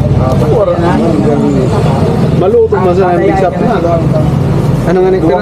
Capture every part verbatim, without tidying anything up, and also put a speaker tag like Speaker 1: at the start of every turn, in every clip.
Speaker 1: Maluto mo sa big shop na. Ano nga nito?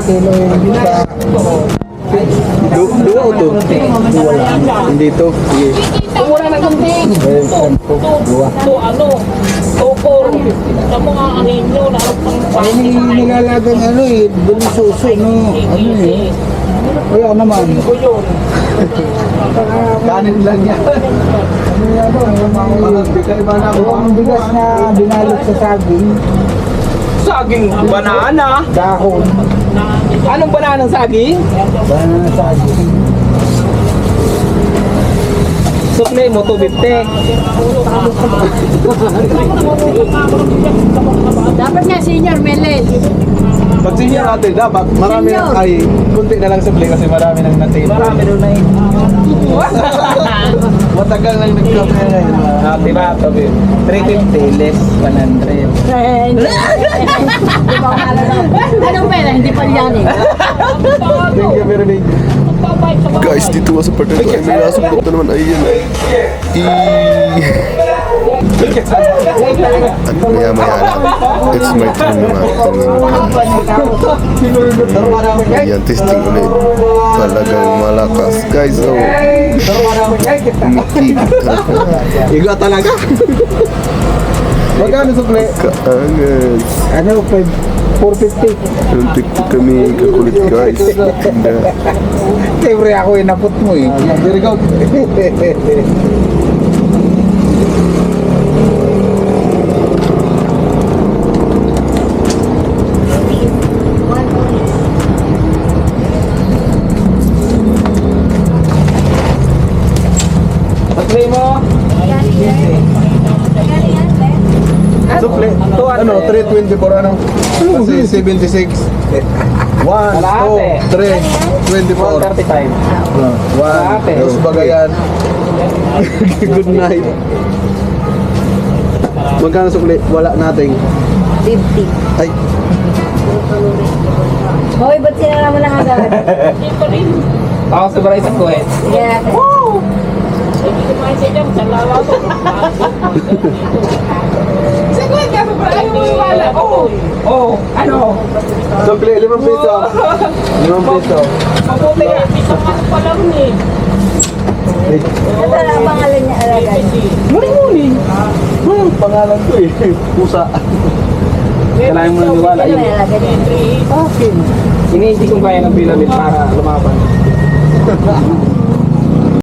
Speaker 1: Du dua o to? Dua lang. Hindi to. Sige.
Speaker 2: Mura na gunting.
Speaker 3: Dua.
Speaker 2: To ano? Tokor. Sa mga anino na pang
Speaker 3: Ay, nilalagang ano eh, delisuso, no? Ano eh? Wala naman.
Speaker 2: ko yun.
Speaker 1: Kanin lang yan.
Speaker 3: Ano yan o?
Speaker 1: Mga bigay ba na
Speaker 3: Yung bigas na binalot sa saging,
Speaker 2: Saging banana.
Speaker 3: dahon,
Speaker 2: Anong banana ng saging?
Speaker 3: banana na saging.
Speaker 2: Sukle mo to bifte.
Speaker 4: Dapat nga senior Meles.
Speaker 1: pag senior natin, dapat marami na,
Speaker 4: Senior.
Speaker 1: ay, kunti na lang supply kasi marami nang natin.
Speaker 2: Marami doon na eh.
Speaker 1: Matagal nang nag-club na ngayon.
Speaker 2: Ah, diba? Sabi, three fifty less one hundred.
Speaker 4: Eh, hindi. Hindi ko maalala. Anong pera? Hindi pa yan eh.
Speaker 1: Thank you very much.
Speaker 5: Guys, dito nga sa part na ito ay may nasabot na naman ay yan ay I... At maya maya lang, it's my turn naman tumingin. Ayan, testing ulit. Talagang malakas. Guys, so, umikit.
Speaker 1: Iga talaga. Magkano supply?
Speaker 5: Kaangas.
Speaker 3: Ano, four fifty.
Speaker 5: Yung tiktik kami kakulit guys. Ganda.
Speaker 3: Siyempre ako inapot mo eh.
Speaker 1: Very good.
Speaker 2: Sukle mo.
Speaker 1: Supply. Ano, three twenty-four ano? Kasi seventy-six. one, two, three, twenty-four.
Speaker 2: one thirty-five.
Speaker 1: One, dos bagayan. Good night. Magkano supply? Wala nating.
Speaker 4: fifty.
Speaker 1: Ay,
Speaker 4: Hoy, ba't sinara mo lang agad?
Speaker 2: Ako sa baray sa kuwet.
Speaker 4: Sige natin.
Speaker 2: Sagot ka sa baray mo wala. Oo. Oo. Ano?
Speaker 1: supply, limang piso. Limang piso.
Speaker 2: Mabuti nga. Isang ano pa lang eh.
Speaker 4: Ano ang pangalan niya alagad?
Speaker 2: Muni-muni.
Speaker 1: Hmm, pangalan ko eh. Pusa.
Speaker 2: Kailangan mo nang wala
Speaker 4: Ano
Speaker 2: yun.
Speaker 4: may alagad niya?
Speaker 2: Iniisip kong kaya ng bilamit para lumaban.